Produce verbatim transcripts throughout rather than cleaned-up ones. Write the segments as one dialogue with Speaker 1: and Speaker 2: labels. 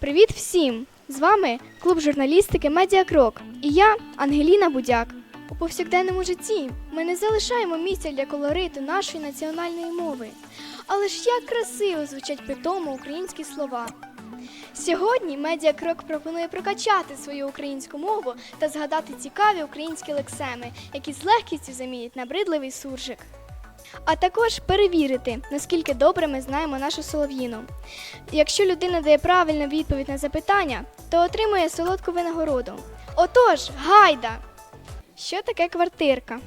Speaker 1: Привіт всім! З вами клуб журналістики «Медіакрок» і я, Ангеліна Будяк. У повсякденному житті ми не залишаємо місця для колориту нашої національної мови. Але ж як красиво звучать при тому українські слова. Сьогодні «Медіакрок» пропонує прокачати свою українську мову та згадати цікаві українські лексеми, які з легкістю замінять набридливий суржик. А також перевірити, наскільки добре ми знаємо нашу солов'їну. Якщо людина дає правильну відповідь на запитання, то отримує солодку винагороду. Отож, гайда! Що таке квартирка?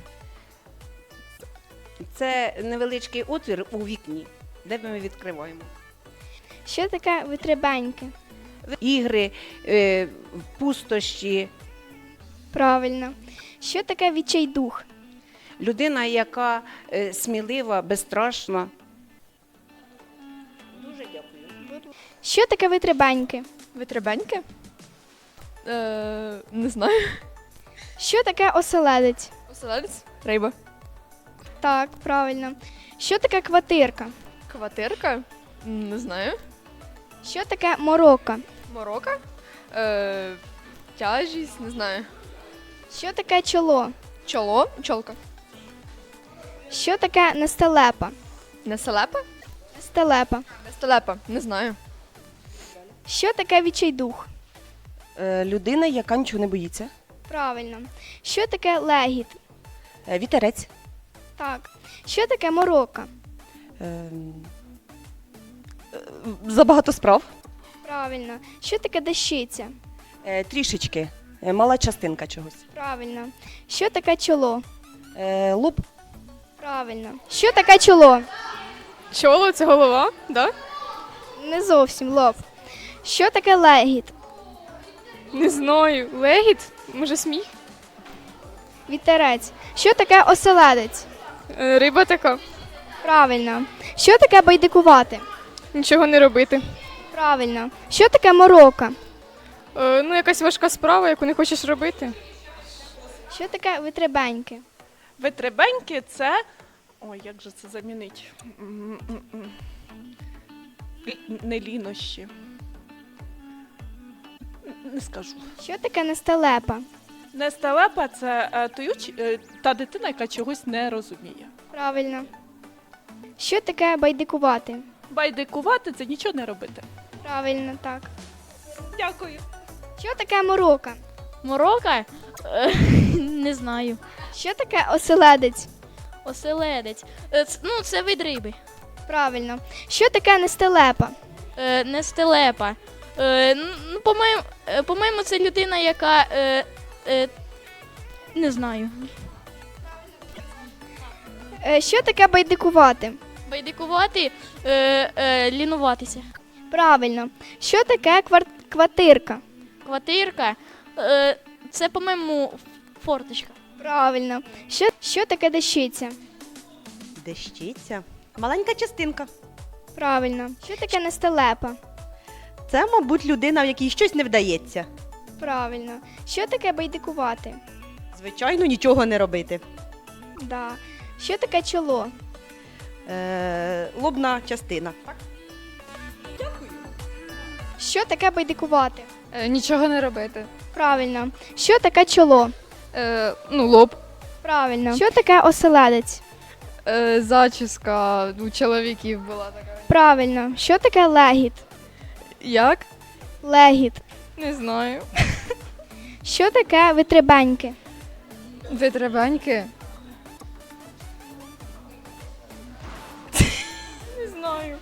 Speaker 2: Це невеличкий отвір у вікні, де ми відкриваємо.
Speaker 1: Що таке витребеньки?
Speaker 2: Ігри, е, пустощі.
Speaker 1: Правильно. Що таке відчайдух?
Speaker 2: Людина, яка е, смілива, безстрашна. Дуже дякую.
Speaker 1: Що таке витребеньки?
Speaker 3: Витребеньки? Е, не знаю.
Speaker 1: Що таке оселедець?
Speaker 3: Оселедець? Риба.
Speaker 1: Так, правильно. Що таке квартирка?
Speaker 3: Квартирка? М, Не знаю.
Speaker 1: Що таке морока?
Speaker 3: Морока? Е, тяжість? Не знаю.
Speaker 1: Що таке чоло?
Speaker 3: Чоло? Чолка.
Speaker 1: Що таке нестелепа?
Speaker 3: Неселепа?
Speaker 1: Нестелепа.
Speaker 3: Нестелепа? Не знаю.
Speaker 1: Що таке відчайдух?
Speaker 4: Е, Людина, яка нічого не боїться.
Speaker 1: Правильно. Що таке легіт?
Speaker 4: Е, Вітерець.
Speaker 1: Так. Що таке морока?
Speaker 4: Е, е, Забагато справ.
Speaker 1: Правильно. Що таке дещиця?
Speaker 4: Е, Трішечки. Е, Мала частинка чогось.
Speaker 1: Правильно. Що таке чоло?
Speaker 4: Е, Лоб.
Speaker 1: Правильно. Що таке чоло?
Speaker 3: Чоло це голова, да?
Speaker 1: Не зовсім лоб. Що таке легіт?
Speaker 3: Не знаю. Легіт? Може сміх?
Speaker 1: Вітерець. Що таке оселедець?
Speaker 3: Е, риба така.
Speaker 1: Правильно. Що таке байдикувати?
Speaker 3: Нічого не робити.
Speaker 1: Правильно. Що таке морока?
Speaker 3: Е, ну, якась важка справа, яку не хочеш робити.
Speaker 1: Що таке витребеньки?
Speaker 5: Витребеньки це. Ой, як же це замінить? М-м-м. Л- Не лінощі. Не скажу.
Speaker 1: Що таке нестелепа?
Speaker 5: Нестелепа це е, той уч- е, та дитина, яка чогось не розуміє.
Speaker 1: Правильно. Що таке байдикувати?
Speaker 5: Байдикувати це нічого не робити.
Speaker 1: Правильно, так.
Speaker 5: Дякую.
Speaker 1: Що таке морока?
Speaker 6: Морока? Е, Не знаю.
Speaker 1: Що таке оселедець?
Speaker 6: Оселедець. Е, ц- Ну, це вид риби.
Speaker 1: Правильно. Що таке нестелепа?
Speaker 6: Е, Не стелепа. Е, Ну, по-моєму, е, по-моєму, це людина, яка. е, е, Не знаю.
Speaker 1: Е, Що таке байдикувати?
Speaker 6: Байдикувати, е, е, лінуватися.
Speaker 1: Правильно. Що таке квар... квартирка?
Speaker 6: Квартирка. Е, Це, по-моєму, форточка.
Speaker 1: Правильно. Що, що таке дещиця?
Speaker 4: Дещиця. Маленька частинка.
Speaker 1: Правильно. Що таке нестелепа?
Speaker 4: Це, мабуть, людина, в якій щось не вдається.
Speaker 1: Правильно. Що таке байдикувати?
Speaker 4: Звичайно, нічого не робити.
Speaker 1: Да. Що таке чоло?
Speaker 4: Е, Лобна частина.
Speaker 1: Що таке байдикувати?
Speaker 3: Е, нічого не робити.
Speaker 1: Правильно. Що таке чоло?
Speaker 3: Е, ну, лоб.
Speaker 1: Правильно. Що таке оселедець?
Speaker 3: Е, зачіска у чоловіків була така.
Speaker 1: Правильно. Що таке легіт?
Speaker 3: Як?
Speaker 1: Легіт.
Speaker 3: Не знаю.
Speaker 1: Що таке витребеньки?
Speaker 3: Витребеньки? Не знаю.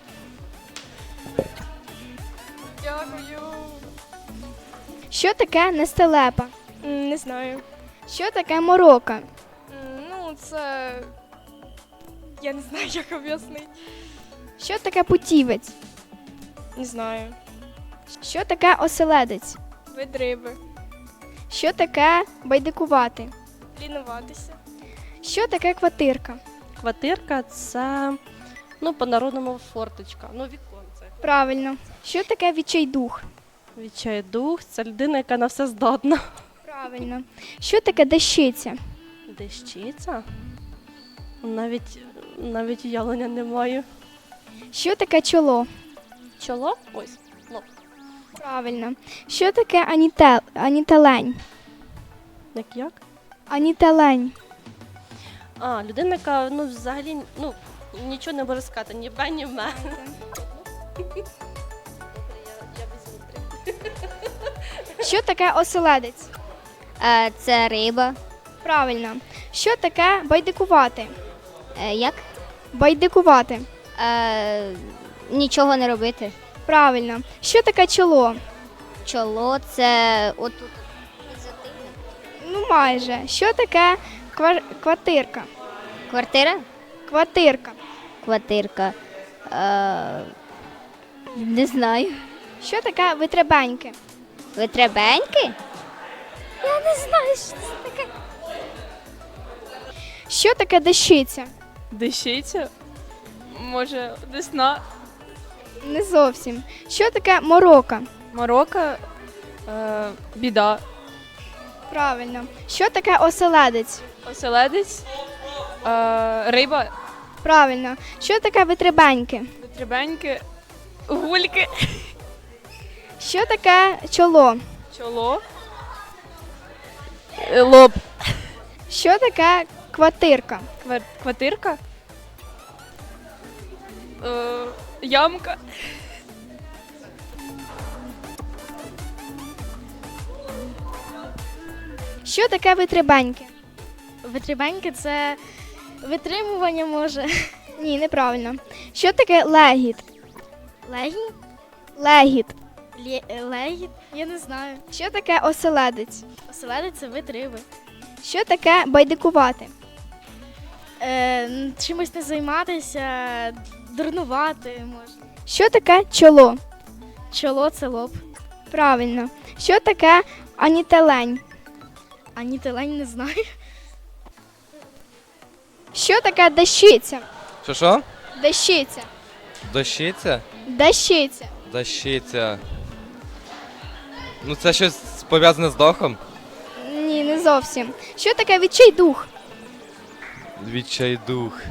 Speaker 3: Дякую.
Speaker 1: Що таке нестелепа?
Speaker 3: Не знаю.
Speaker 1: Що таке морока?
Speaker 3: Ну, це. Я не знаю, як об'яснити.
Speaker 1: Що таке путівець?
Speaker 3: Не знаю.
Speaker 1: Що таке оселедець?
Speaker 3: Вид риби.
Speaker 1: Що таке байдикувати?
Speaker 3: Лінуватися.
Speaker 1: Що таке квартирка?
Speaker 7: Квартирка це, ну, по-народному форточка, ну, віконце.
Speaker 1: Правильно. Що таке відчайдух?
Speaker 7: Відчайдух – це людина, яка на все здатна.
Speaker 1: Правильно. Що таке дещиця?
Speaker 7: Дещиця? Навіть, навіть уявлення не маю.
Speaker 1: Що таке чоло?
Speaker 7: Чоло? Ось, лоб.
Speaker 1: Правильно. Що таке анітел... анітелень?
Speaker 7: Як як?
Speaker 1: Анітелень.
Speaker 7: А, людина, яка ну, взагалі ну, нічого не може сказати, ні бе, ні ме. Я, я візьму три.
Speaker 1: Що таке оселедець?
Speaker 8: Е, це риба.
Speaker 1: Правильно. Що таке байдикувати?
Speaker 8: Е, як?
Speaker 1: Байдикувати.
Speaker 8: Е, нічого не робити.
Speaker 1: Правильно. Що таке чоло?
Speaker 8: Чоло це отут.
Speaker 1: Ну, майже. Що таке квар... квартирка?
Speaker 8: Квартира?
Speaker 1: Квартирка.
Speaker 8: Квартирка. Е, не знаю.
Speaker 1: Що таке витребеньки?
Speaker 8: Витребеньки?
Speaker 1: Я не знаю, що це таке. Що таке дещиця?
Speaker 5: Дещиця? Може, десна?
Speaker 1: Не зовсім. Що таке морока?
Speaker 5: Морока? Е, біда.
Speaker 1: Правильно. Що таке оселедець?
Speaker 5: Оселедець? Е, риба?
Speaker 1: Правильно. Що таке витребеньки?
Speaker 5: Витребеньки? Гульки?
Speaker 1: Що таке чоло?
Speaker 5: Чоло? Е, лоб?
Speaker 1: Що таке квартирка?
Speaker 5: Квар- Квартирка? Е, ямка?
Speaker 1: Що таке витребеньки?
Speaker 6: Витребеньки це витримування може.
Speaker 1: Ні, неправильно. Що таке легіт?
Speaker 6: Легінь?
Speaker 1: Легіт.
Speaker 6: Легінь? Я не знаю.
Speaker 1: Що таке оселедець?
Speaker 6: Оселедець це вид риби.
Speaker 1: Що таке байдикувати?
Speaker 6: Е, н- чимось не займатися, дурнувати можна.
Speaker 1: Що таке чоло?
Speaker 6: Чоло це лоб.
Speaker 1: Правильно. Що таке анітелень?
Speaker 6: А нітелень не знаю.
Speaker 1: Що таке дещиця?
Speaker 9: Що що?
Speaker 1: Дещиця.
Speaker 9: Дощиця?
Speaker 1: Дещиця.
Speaker 9: Дощиця. Ну це щось пов'язане з дохом?
Speaker 1: Ні, не зовсім. Що таке відчайдух?
Speaker 9: Відчайдух.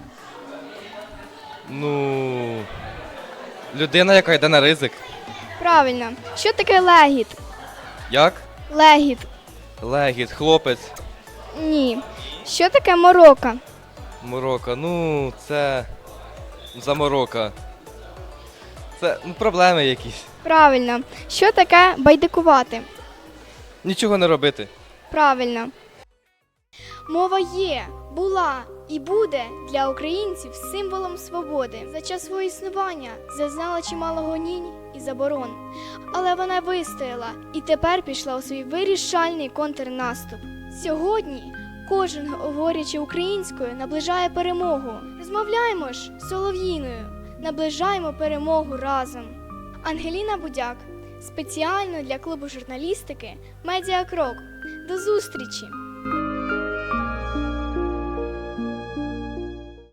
Speaker 9: Ну. Людина, яка йде на ризик.
Speaker 1: Правильно. Що таке легіт?
Speaker 9: Як?
Speaker 1: Легіт.
Speaker 9: Легіт, хлопець,
Speaker 1: Ні. Що таке морока?
Speaker 9: морока. Ну, це. Заморока. Це ну, проблеми якісь.
Speaker 1: Правильно. Що таке байдикувати?
Speaker 9: Нічого не робити.
Speaker 1: Правильно. Мова є, була і буде для українців символом свободи. За час свого існування зазнала чимало гонінь і заборон. Але вона вистояла і тепер пішла у свій вирішальний контрнаступ. Сьогодні кожен, говорячи українською, наближає перемогу. Розмовляємо ж солов'їною, наближаємо перемогу разом. Ангеліна Будяк. Спеціально для клубу журналістики «Медіакрок». До зустрічі!